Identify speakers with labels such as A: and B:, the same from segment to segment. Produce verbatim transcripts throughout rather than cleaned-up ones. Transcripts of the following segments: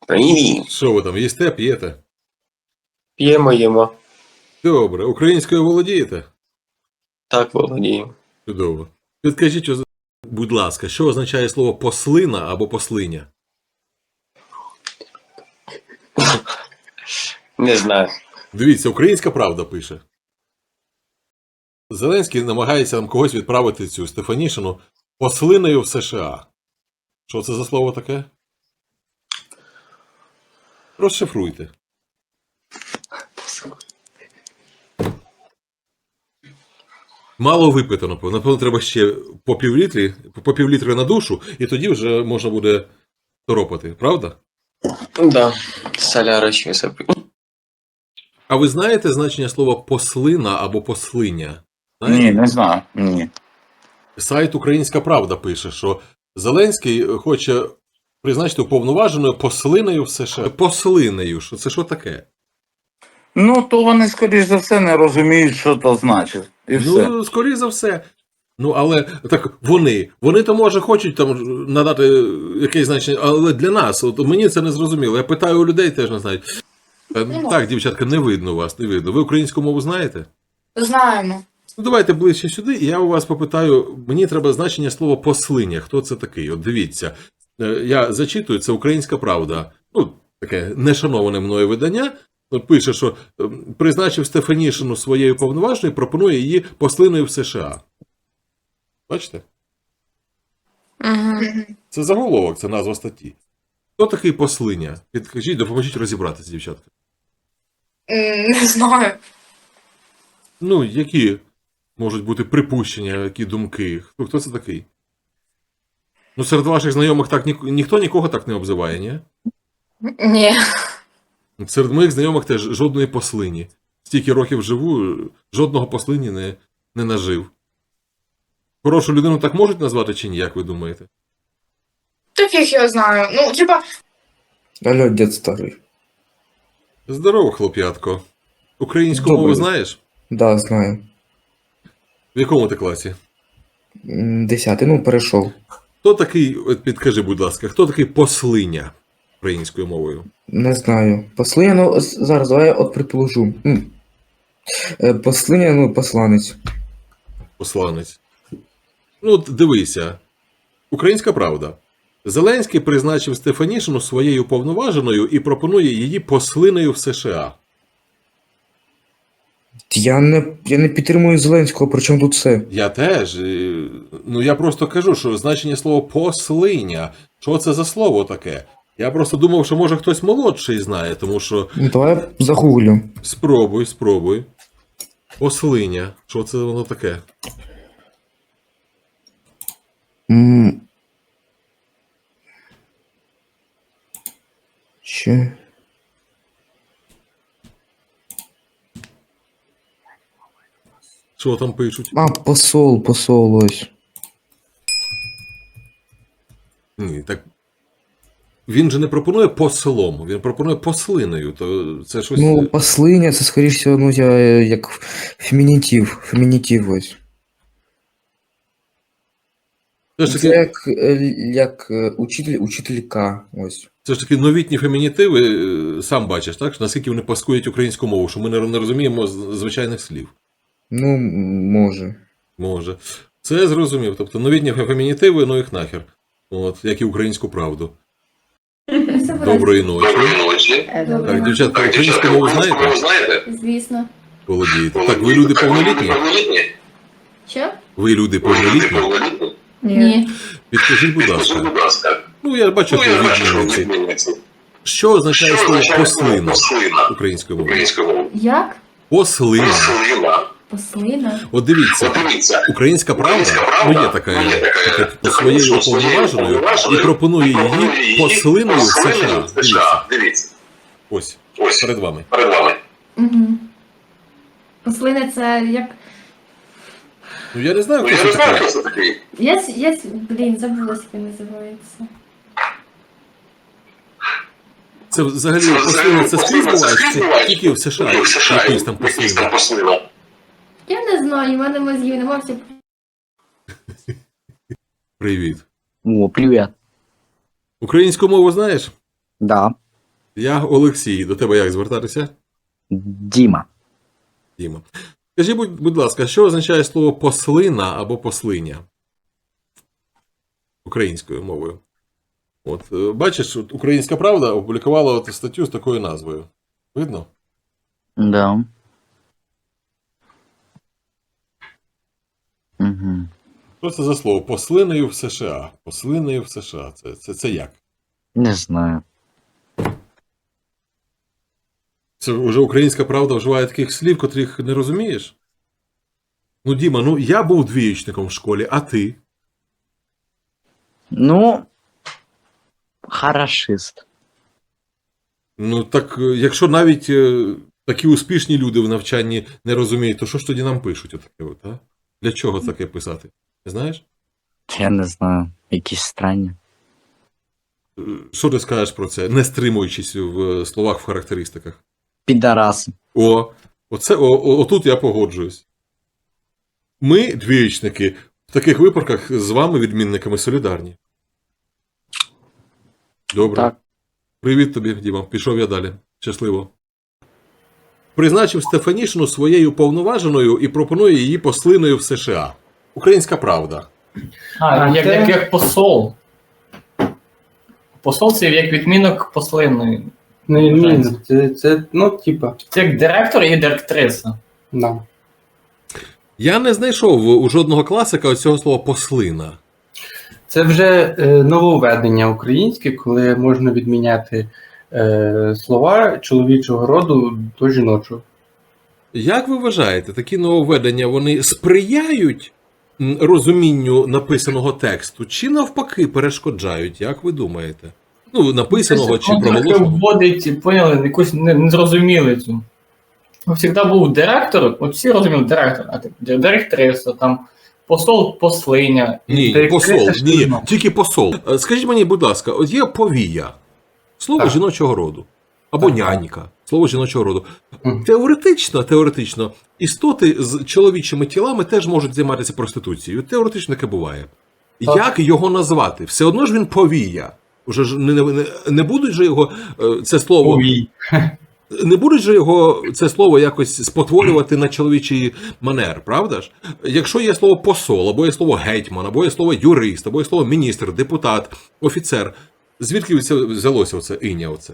A: Привіт.
B: Що ви там, їсте, п'єте?
A: П'ємо, їмо.
B: Добре. Українською володієте?
A: Так, володіємо.
B: Чудово. Підкажіть, оз- будь ласка, що означає слово послина або послиня?
A: Не знаю.
B: Дивіться, Українська Правда пише. Зеленський намагається нам когось відправити цю Стефанішину послиною в США. Що це за слово таке? Розшифруйте. Мало випито, напевно. Напевно, треба ще по півлітрі, по півлітри на душу, і тоді вже можна буде торопати, правда?
A: Да. Соляра ще запив.
B: А ви знаєте значення слова послина або послиня?
C: Ні,
B: Знаєте?
C: не знаю. Ні.
B: Сайт Українська Правда пише, що Зеленський хоче призначити уповноваженою послиною в США. Послиною, що це що таке?
C: Ну, то вони, скоріш за все, не розуміють, що то значить. І все.
B: Ну, скоріше за все. Ну, але так вони, вони то може хочуть там надати якесь значення, але для нас, от мені це не зрозуміло. Я питаю у людей, теж не знають. Е, Так, дівчатка, не видно вас, не видно. Ви українську мову знаєте?
D: Знаємо.
B: Ну, давайте ближче сюди, і я у вас попитаю, мені треба значення слова послиня. Хто це такий? От дивіться, е, я зачитую, це Українська Правда. Ну, таке нешановане мною видання. От пише, що е, призначив Стефанішину своєю повноважною, пропонує її послиною в США. Бачите?
D: Угу.
B: Це заголовок, це назва статті. Хто такий послиня? Підкажіть, допоможіть розібратися, дівчатка.
D: Не знаю.
B: Ну, які можуть бути припущення, які думки? Хто, хто це такий? Ну, серед ваших знайомих так ні, ніхто нікого так не обзиває, ні?
D: Ні.
B: Серед моїх знайомих теж жодної послині. Стільки років живу, жодного послині не, не нажив. Хорошу людину так можуть назвати чи ні, як ви думаєте?
D: Так як я знаю. Ну, типа,
E: Алло, дед старый.
B: Здорово, хлоп'ятко. Українську
E: Добрий.
B: мову знаєш?
E: Да, знаю.
B: В якому ти класі?
E: М, Десятий, ну, перейшов.
B: Хто такий, от підкажи, будь ласка, хто такий послиня українською мовою?
E: Не знаю. Послиня, ну, ос- зараз давай я от предположу. М. Е, Послиня, ну, посланець.
B: Посланець. Ну, от дивися. Українська Правда. Зеленський призначив Стефанішину своєю повноваженою і пропонує її послиною в США.
E: Я не, я не підтримую Зеленського, при чому тут це?
B: Я теж. е, Ну, я просто кажу, що значення слова послиня. Що це за слово таке? Я просто думав, що може хтось молодший знає, тому що
E: Ну, давай я загуглю.
B: спробуй, спробуй. Послиня. Що це воно таке?
E: М. Ще.
B: Що там пишуть?
E: А, посол, посол, ось.
B: Ні, так. Він же не пропонує послом, він пропонує послиною. То це щось.
E: Ну, послиня, це, скоріш всього, ну, я, е, як фемінітив, фемінітив ось.
B: Це ж
E: Це
B: таки,
E: як, е, як е, учитель, учителька, ось.
B: це ж таки новітні фемінітиви, е, сам бачиш, так? Що наскільки вони паскують українську мову, що ми не, не розуміємо з- звичайних слів.
E: Ну, м, може.
B: Може. Це я зрозумів. Тобто новітні фемінітиви, ну їх нахер. От, як і українську правду. Доброї ночі. Так, дівчатка, українську мову знаєте?
F: Звісно.
B: Володієте. Так, ви люди повнолітні?
F: Що?
B: Ви люди повнолітні?
F: Ні.
B: Підкажіть, будь ласка. Ну, я бачу, що ви відмінниці. Що означає слово послина українською мовою?
F: Як?
B: Послина.
F: Послина?
B: От дивіться, Українська Правда, ну є така, така по своєю уповноваженою, і пропонує її послиною в США. Дивіться. Ось, перед вами.
F: Угу. Послина це як.
B: Ну, я не знаю, хто це такий.
F: Я, с- я, с- блін, забула, як він називається.
B: Це взагалі послина, це скрізь буває, чи це тільки в США, якийсь там послина.
F: Я не знаю, у мене мозгів нема, все.
B: Привіт.
G: О, привет.
B: Українську мову знаєш?
G: Да.
B: Я Олексій. До тебе як звертатися?
G: Діма.
B: Діма. Скажіть, будь, будь ласка, що означає слово послина або послиня? Українською мовою. От, е, бачиш, от Українська Правда опублікувала от статтю з такою назвою. Видно?
G: Да. Угу.
B: Що це за слово? Послиною в США. Послиною в США. Це, це, це як?
G: Не знаю.
B: Це вже Українська Правда вживає таких слів, котрих не розумієш? Ну, Діма, ну я був двієчником в школі, а ти?
G: Ну, хорошист.
B: Ну, так, е, якщо навіть е, такі успішні люди в навчанні не розуміють, то що ж тоді нам пишуть отаке от, а? Для чого таке писати? Не знаєш?
G: Я не знаю. Якісь странні.
B: Е, Що ти скажеш про це, не стримуючись в е, словах, в характеристиках?
G: Підараси.
B: О, оце, о, о, отут я погоджуюсь. Ми, двієчники, в таких випадках з вами, відмінниками, солідарні. Добре.
G: Так.
B: Привіт тобі, Діма. Пішов я далі. Щасливо. Призначив Стефанішину своєю повноваженою і пропонує її послиною в США. Українська Правда.
H: А,
I: А
H: як,
I: це-
H: як, як посол. Посол це як відмінок послинної.
I: Не відмінно. Це, це, ну, типа,
H: Це як директор і директриса.
I: да.
B: Я не знайшов у жодного класика оцього слова послина.
I: Це вже е, нововведення українське, коли можна відміняти е, слова чоловічого роду до жіночого.
B: Як ви вважаєте, такі нововведення, вони сприяють м, розумінню написаного тексту, чи навпаки перешкоджають, як ви думаєте? Ну, написаного чи
H: Воно трохи
B: проголошеного?
H: вводить, поняли, якусь не- незрозумілицю. Завжди був директор, от всі розуміли директор, а так, директриса, там, посол, послиня.
B: Ні,
H: директриса
B: посол,
H: ж
B: ні,
H: жінок.
B: тільки посол. Е, Скажіть мені, будь ласка, от є повія, слово
I: Так.
B: жіночого роду, або
I: Так.
B: нянька, слово жіночого роду.
I: Мгм.
B: Теоретично, теоретично, істоти з чоловічими тілами теж можуть займатися проституцією. Теоретично таке буває.
I: Так.
B: Як його назвати? Все одно ж він повія. Уже ж не, не, не будуть же його е, це слово.
I: Повій.
B: Не будуть же його це слово якось спотворювати на чоловічий манер, правда ж? Якщо є слово посол, або є слово гетьман, або є слово юрист, або є слово міністр, депутат, офіцер, звідки це взялося оце іня оце?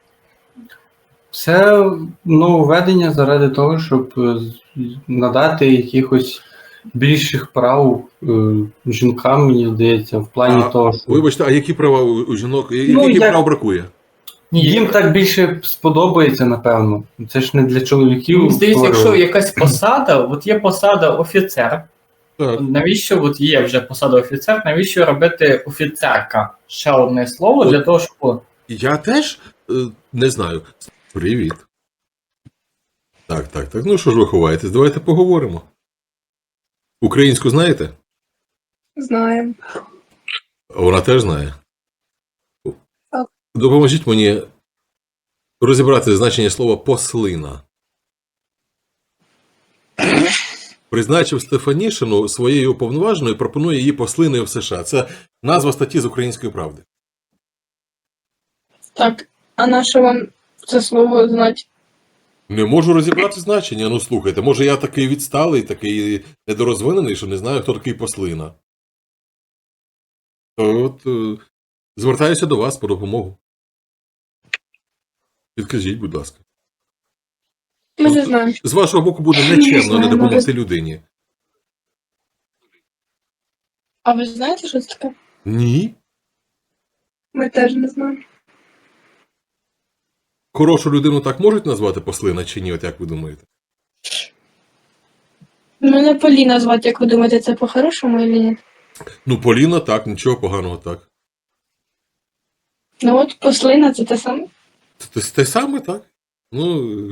I: Це нововведення заради того, щоб е, з- надати якихось більших прав е, жінкам, мені здається, в плані
B: А,
I: того, що
B: Вибачте, а які права у у жінок, я-
I: Ну,
B: яких
I: як-
B: прав бракує?
H: Ні,
I: їм так більше сподобається, напевно. Це ж не для чоловіків.
H: Мені здається, якщо
I: створювали.
H: якась посада, от є посада офіцер,
B: Так.
H: навіщо от є вже посада офіцер, навіщо робити офіцерка? Ще одне слово для того, щоб.
B: Я теж е, не знаю. Привіт. Так, так, так. Ну що ж ви ховаєтесь? Давайте поговоримо. Українську знаєте?
D: Знаємо.
B: Вона теж знає.
D: Так.
B: Допоможіть мені розібрати значення слова послина. Призначив Стефанішину своєю уповноваженою, пропонує її послиною в США. Це назва статті з Української правди.
D: Так, а на що вам це слово знати?
B: Не можу розібрати значення. Ну слухайте, може я такий відсталий, такий недорозвинений, що не знаю, хто такий послина. То от е, звертаюся до вас по допомогу. Підкажіть, будь ласка.
D: Ми не знаємо.
B: З вашого боку буде нечемно не допомогти людині.
D: А ви знаєте, що це таке?
B: Ні.
D: Ми теж не знаємо.
B: Хорошу людину так можуть назвати послина чи ні, от як ви думаєте?
D: Мене Поліна звати, як ви думаєте, це по-хорошому чи ні?
B: Ну, Поліна так, нічого поганого так.
D: Ну от послина це те саме.
B: Те, те саме, так? Ну.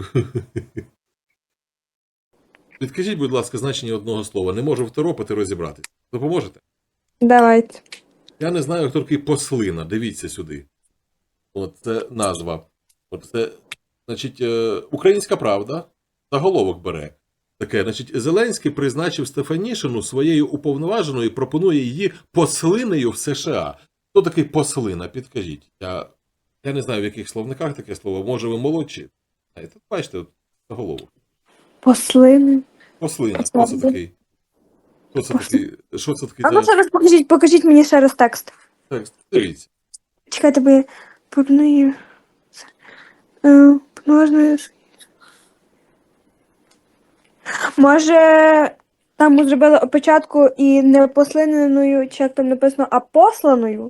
B: Підкажіть, будь ласка, значення одного слова. Не можу второпати розібратись. Допоможете?
J: Давайте.
B: Я не знаю, хто такий послина. Дивіться сюди. От це назва. От це, значить, е, Українська Правда заголовок бере. Таке, значить, Зеленський призначив Стефанішину своєю уповноваженою і пропонує її послинею в США. Хто такий послина? Підкажіть. Я Я не знаю, в яких словниках таке слово. Може, ви молодші. Знаєте, бачите, от, заголовок.
D: Послини.
B: Послина. Хто це такий? Хто це такий? Що це такий
D: А ну
B: за
D: ще раз покажіть, покажіть мені ще раз текст.
B: текст? Дивіться.
D: Чекайте, бо я порною. Е, Можна. Може, там ми зробили опечатку і не послиненою, чи як там написано, а посланою?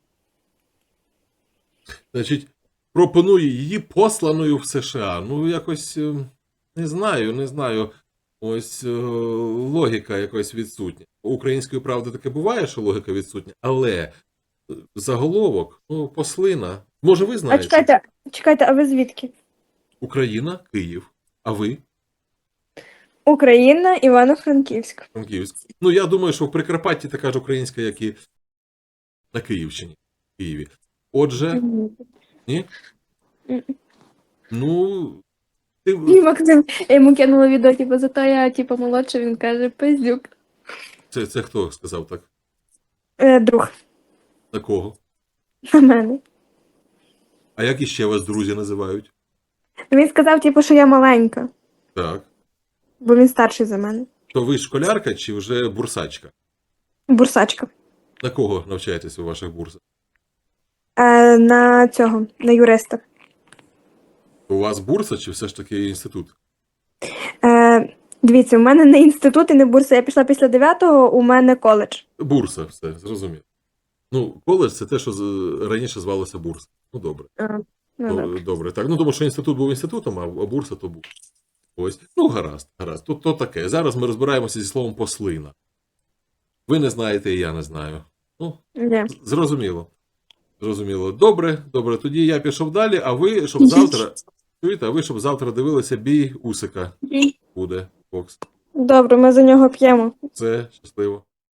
B: Значить, пропонує її посланою в США. Ну, якось е, не знаю, не знаю. Ось е, логіка якось відсутня. У української правди таке буває, що логіка відсутня, але е, заголовок, ну, послина. Може, ви
D: А
B: знаєте?
D: чекайте, чекайте, а ви звідки?
B: Україна, Київ. А ви?
D: Україна, Івано-Франківськ.
B: Франківськ. Ну, я думаю, що в Прикарпатті така ж українська, як і на Київщині. В Києві. Отже, ні?
D: Мгм.
B: Ну, ти...
D: І Максим, я йому кинула відео, типу, зато я, типу, молодша, він каже, пиздюк.
B: це, це хто сказав так?
D: Е, друг
B: На кого?
D: на мене.
B: А як іще вас друзі називають?
D: Він сказав, типу, що я маленька,
B: Так.
D: бо він старший за мене.
B: То ви школярка чи вже бурсачка?
D: Бурсачка.
B: На кого навчаєтесь у ваших бурсах?
D: Е, на цього, на юриста.
B: У вас бурса чи все ж таки інститут?
D: Е, дивіться, у мене не інститут і не бурса. Я пішла після дев'ятого, у мене коледж.
B: Бурса, все, зрозумів. Ну, коледж це те, що з- раніше звалося бурса. Ну, добре.
D: А, ну,
B: Ну,
D: добре.
B: добре, так. Ну, тому що інститут був інститутом, а а бурса то був. Ось. Ну, гаразд, гаразд. Тут то таке. Зараз ми розбираємося зі словом послина. Ви не знаєте, і я не знаю. Ну,
D: Ні.
B: з- зрозуміло. Зрозуміло. Добре, добре. Тоді я пішов далі, а ви, щоб завтра. Чуєте, а ви, щоб завтра дивилися бій Усика. Буде, Фокс.
D: Добре, ми за нього п'ємо.
B: Це щасливо.